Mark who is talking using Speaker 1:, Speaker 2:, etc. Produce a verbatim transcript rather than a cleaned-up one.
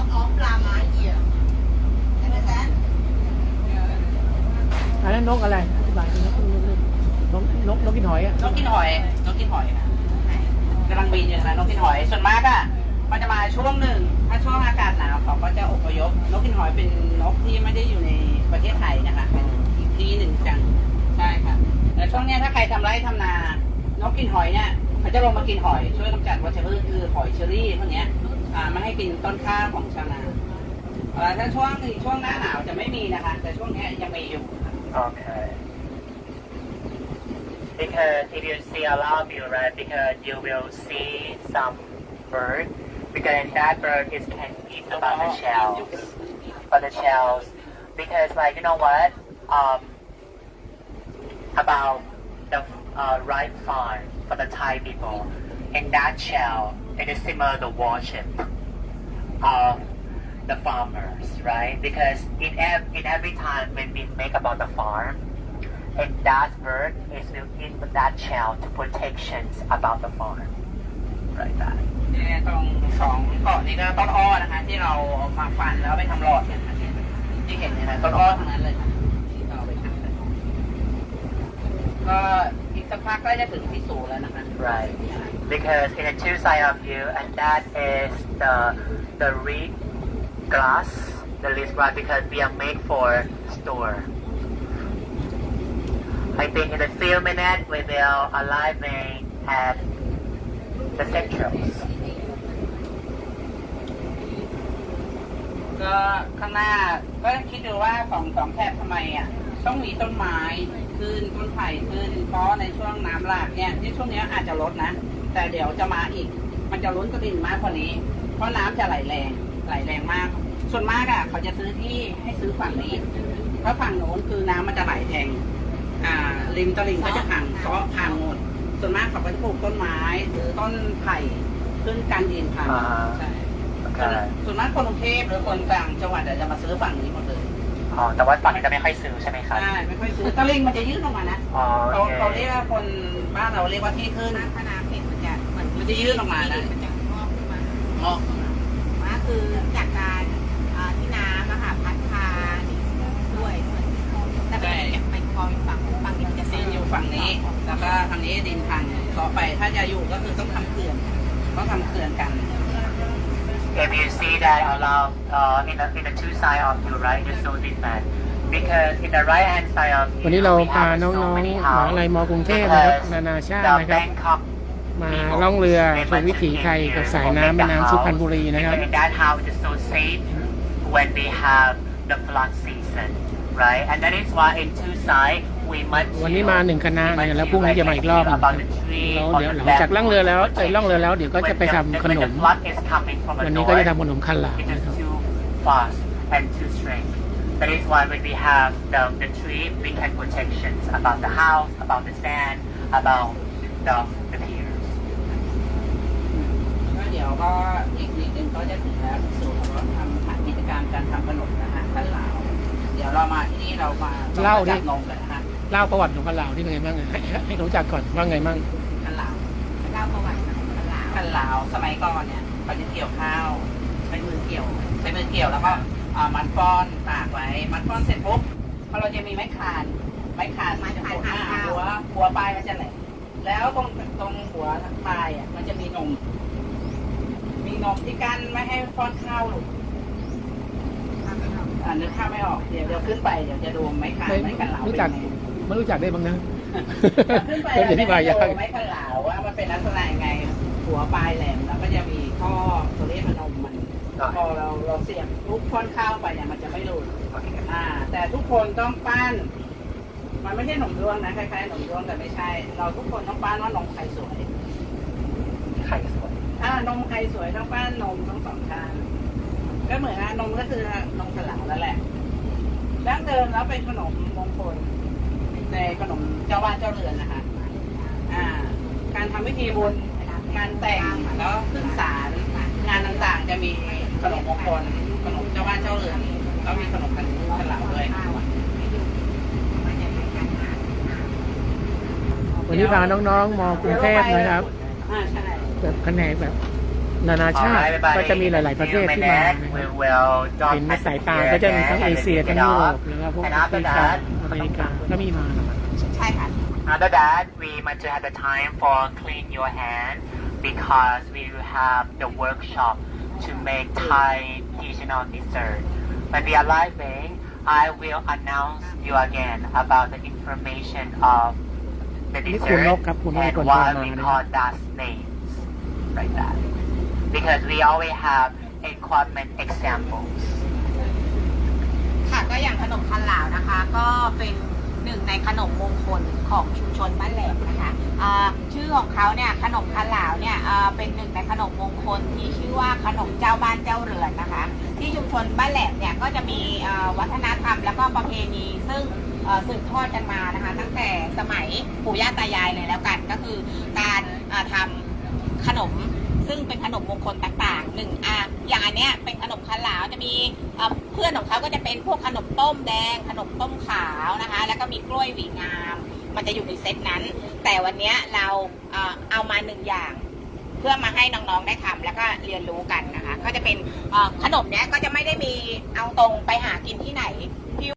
Speaker 1: lot of llama here. Understand?
Speaker 2: อันนั้นนกอะไรอธิบายนกนกนกนกกินหอยอ่ะ
Speaker 3: นกกินหอยนกกินหอยนะกำลังบินอยู่นะนกกินหอยส่วนมากอ่ะมันจะมาช่วงหนึ่งถ้าช่วงอากาศหนาวเขาก็จะอพยพนกกินหอยเป็นนกที่ไม่ได้อยู่ในประเทศไทยนะคะเป็นอีกที่หนึ่งจังใช่ค่ะแต่ช่วงนี้ถ้าใครทำไร่ทำนานกกินหอยเนี่ยเขาจะลงมากินหอยช่วยกำจัดวัชพืชคือหอยเชอรี่พวกนี้อ่าไม่ให้กินต้นข้าวของชาวนาถ้าช่วงช่วงหน้าหนาวจะไม่มีนะคะแต่ช่วงนี้ยังมีอยู่
Speaker 4: Okay. Because if you see a lot of you, right, because you will see some bird, because that bird is can eat about the shells, about the shells, because like you know what, um, about the uh, rice farm for the Thai people, in that shell, it is similar to worship of the farmers, right? Because in, ev in every time when we make about the farm, and that bird is will eat that shell to protections about the farm, right? That.
Speaker 3: เนี่ยตรงสองเกาะนี้ก็ต้นอ้อนะคะที่เราเอามาฟันแล้วไปทำหลอดเนี่ยค่ะที่เห็นเนี่ยนะต้นอ้อทั้งนั้นเลยค่ะที่เราไปทำเลยก็อีกสักพักก็จะถึงที่สูงแล้วนะคะ
Speaker 4: Right. Because in the two side of you, and that is the the reed glass, the least glass, because we are made for store. I think in a few minutes we will arriving at the centrals.
Speaker 3: ก็ข้างหน้าก็คิดดูว่าสองสองแถบทำไมอ่ะต้องมีต้นไม้ขึ้นต้นไผ่ขึ้นเพราะในช่วงน้ำหลากเนี่ยที่ช่วงนี้อาจจะลดนะแต่เดี๋ยวจะมาอีกมันจะล้นตลิ่งมากกว่านี้เพราะน้ำจะไหลแรงไหลแรงมากส่วนมากอ่ะเขาจะซื้อที่ให้ซื้อฝั่งนี้เพราะฝั่งโน้นคือน้ำมันจะไหลแทงอ่าริมตลิ่งก็จะพังซ้อพังหมดส่วนมากเขาก็จะปลูกต้นไม้หรือต้นไผ่ขึ้นกันดินพังใช่ส่วนมากคนกรุงเทพหรือคนกลางจังหวัดจะมาซื้อฝั่งนี้หมดเลย
Speaker 4: อ๋อแต่ว่าฝั่งนี้จะไม่ค่อยซื้อใช่ไหมครับ
Speaker 3: ใช่ไม่ค่อยซื้อตะลิงมันจะยื่นออกมานะ
Speaker 4: อ๋อ
Speaker 3: เรา
Speaker 4: โอเค
Speaker 3: เราเรียกว่าคนบ้านเราเรียกว่าที่ขึ้น
Speaker 1: ถ้าน้ำเผ็ดมันจะเหมือน
Speaker 3: มันจะยื่นออกมานะ
Speaker 1: มันจะงอกขึ้นมาง
Speaker 3: อก
Speaker 1: ว่าคือจากการอ่าที่น้ำอะค่ะพัดพาดินด้วยส่วนแต่เป็นไปคอยฝั่งฝั่งนี้มันจะ
Speaker 3: ดินอยู่ฝั่งนี้ แล้วก็ทางนี้ดินพังต่อไปถ้าจะอยู่ก็คือต้องทำเขื่อนต้องทำเขื่อนกัน
Speaker 4: If you see that along uh, in the in the two side of you, right, it's so different. Because in the right hand side of you,
Speaker 2: วันนี้เรา
Speaker 4: we
Speaker 2: พา
Speaker 4: have
Speaker 2: น้
Speaker 4: so
Speaker 2: องๆ
Speaker 4: many
Speaker 2: มหา
Speaker 4: houses
Speaker 2: ลัยมกรุงเทพนะครับ
Speaker 4: because
Speaker 2: นานาชาติ
Speaker 4: the
Speaker 2: นะครับ
Speaker 4: Bangkok
Speaker 2: มา
Speaker 4: people,
Speaker 2: ล่องเรือ
Speaker 4: they
Speaker 2: ชม
Speaker 4: must
Speaker 2: วิถี
Speaker 4: came
Speaker 2: ไทย
Speaker 4: here
Speaker 2: กับสาย
Speaker 4: for
Speaker 2: น้ำ
Speaker 4: make
Speaker 2: แม่
Speaker 4: the
Speaker 2: น้ำสุพรรณ
Speaker 4: house.
Speaker 2: บุรีนะครับ
Speaker 4: Because in that house is so safe when we have the flood season, right? And that is why in two sides we must
Speaker 2: วันนี้มาหนึ่งคณะ
Speaker 4: we
Speaker 2: นะ
Speaker 4: must
Speaker 2: แล้วพรุ่งนี้จะมาอีกรอบหนึ่ง
Speaker 4: about the tree
Speaker 2: แล้ว
Speaker 4: or
Speaker 2: เดี๋ยว
Speaker 4: the
Speaker 2: หลังจากล่องเรือแล้วเอ้ยล่องเรือแล้วเดี๋ยวก็จะไปทำขน
Speaker 4: When
Speaker 2: ม
Speaker 4: the flood is coming from the
Speaker 2: วันนี้ก็จะ
Speaker 4: north,
Speaker 2: ทำขนมคันหลา
Speaker 4: it
Speaker 2: นะ
Speaker 4: is
Speaker 2: ครับ
Speaker 4: too fast and too straight. That is why when we have the, the tree, we can protections about the house, about the sand, about the, the piers.
Speaker 3: ก็เดี๋ยวก็อีกนิดนึงก็จะถึงแล้วสู่เราทำฐานกิจการการทำขนมนะฮะขั้นเหลาเดี๋ยวเรามาที่นี่เรามา
Speaker 2: เล่าดิ
Speaker 3: จับนมกันนะฮะ
Speaker 2: เล่าประวัติของคันหลาที่เป็นไงบ้างให้ให้รู้จักก่อนว่าไงบ้าง
Speaker 3: ขั้นเหลา
Speaker 1: เล่าประวัติของคนลาว
Speaker 3: ขั้นเหลาสมัยก่อนเนี่ยเขาจะเกี่ยวข้าวใช้มือเกี่ยวใช้มือเกี่ยวแล้วก็อ่ามัดก้อนตากไว้มัดก้อนเสร็จปุ๊บพอเราจะมีไม้คานไม้คานมันจะหัวหัวหัวปลายมันจะแหลมแล้วตรงตรงหัวปลายอ่ะมันจะมีนม มีนมที่กั้นไม่ให้ป้อนข้าวหลุดอ่านึกข้าวไม่ออกเดี๋ยวเดี๋ยวขึ้นไปเดี๋ยวจะดูไม้คานไม้กันเหลา
Speaker 2: รู้
Speaker 3: เป็น
Speaker 2: จัก
Speaker 3: ไง
Speaker 2: ไม่รู้จักได้บ้างนะ
Speaker 3: ขึ้นไป
Speaker 2: เป็นอธิบายยาก
Speaker 3: ดูไม้กันเหลาว่ามันเป็นลักษณะยังไง หัวปลายแหลมแล้วก็จะมีข้อตัวเลขมันนมมันพอเราเราเสียบลูกป้อนข้าวไปเนี่ยมันจะไม่หลุด อ่า แต่ทุกคนต้องปั้น มันไม่ใช่หนมด้วงนะคล้ายๆหนมด้วงแต่ไม่ใช่ เราทุกคนต้องปั้นว่านมใครสวย
Speaker 4: ไข่สวย
Speaker 3: อ่านมใครสวยต้องปั้นนมทั้งสองข้างก็เหมือนนะนมก็คือนมขลังนั่นแหละดั้งเดิมแล้วเป็นขนมมงคลในขนมเจ้าบ้านเจ้าเรือนนะคะอ่า การทำพิธีบุญงานแต่งแล้วขึ้นศาลงานต่างๆจะมีขนมมงคลขนมเจ้าบ้านเจ้าเรือนแล้วมีขนมขันขลังด้วย
Speaker 2: วันนี้พาน้องๆมอกรุงเทพนะครับ
Speaker 3: อ่าใช่
Speaker 2: แบบแผนกแบบนานาชาติ
Speaker 4: Alright, everybody,
Speaker 2: ก็จะมีหลาย ๆ ประเทศ
Speaker 4: in a
Speaker 2: ที่
Speaker 4: few
Speaker 2: มา
Speaker 4: minutes,
Speaker 2: นะค
Speaker 4: we
Speaker 2: รับ
Speaker 4: will drop
Speaker 2: เห็นในสายตา
Speaker 4: here
Speaker 2: ก็จะมีทั้ง
Speaker 4: again
Speaker 2: เอ
Speaker 4: and
Speaker 2: เชีย
Speaker 4: lift
Speaker 2: ทั้ง
Speaker 4: it
Speaker 2: ยุโร
Speaker 4: up.
Speaker 2: ปแล้วก็พวก
Speaker 4: And
Speaker 2: แอ
Speaker 4: after
Speaker 2: ฟริกา
Speaker 4: that,
Speaker 2: อเมริกาก็มีมานะครับ
Speaker 1: ใช่ค่ะ
Speaker 4: after that, we might have the time for clean your hand because we will have the workshop to make Thai traditional dessert. When we are arriving, I will announce you again about the information of the
Speaker 2: นี่คุณ
Speaker 4: dessert
Speaker 2: นกครับคุณนก
Speaker 4: and
Speaker 2: เป็นคนโทร
Speaker 4: what
Speaker 2: มา
Speaker 4: we
Speaker 2: นะ
Speaker 4: call that names, like that. Because we always have equipment examples.
Speaker 1: ค่ะก็อย่างขนมคันหลาวนะคะ ก็เป็นหนึ่งในขนมมงคลของชุมชนบ้านแหลมนะคะอ่าชื่อของเขาเนี่ยขนมคันหลาวเนี่ยอ่าเป็นหนึ่งในขนมมงคลที่ชื่อว่าขนมเจ้าบ้านเจ้าเรือนนะคะ ที่ชุมชนบ้านแหลมเนี่ยก็จะมีอ่าวัฒนธรรมแล้วก็ประเพณีซึ่งเอ่อสืบทอดกันมานะคะ ตั้งแต่สมัยปู่ย่าตายายเลยแล้วกันก็คือการอ่าทำขนม ซึ่งเป็นขนมมงคลต่างๆหนึ่งอ่ะอย่างอันเนี้ยเป็นขนมคันหลาวจะมีเอ่อเพื่อนของเขาก็จะเป็นพวกขนมต้มแดง ขนมต้มขาวนะคะ แล้วก็มีกล้วยหวีงาม มันจะอยู่ในเซตนั้น แต่วันเนี้ยเราเอ่อเอามาหนึ่งอย่าง เพื่อมาให้น้องๆได้ทำแล้วก็เรียนรู้กันนะคะ ก็จะเป็นเอ่อขนมเนี้ยก็จะไม่ได้มีเอาตรงไปหากินที่ไหน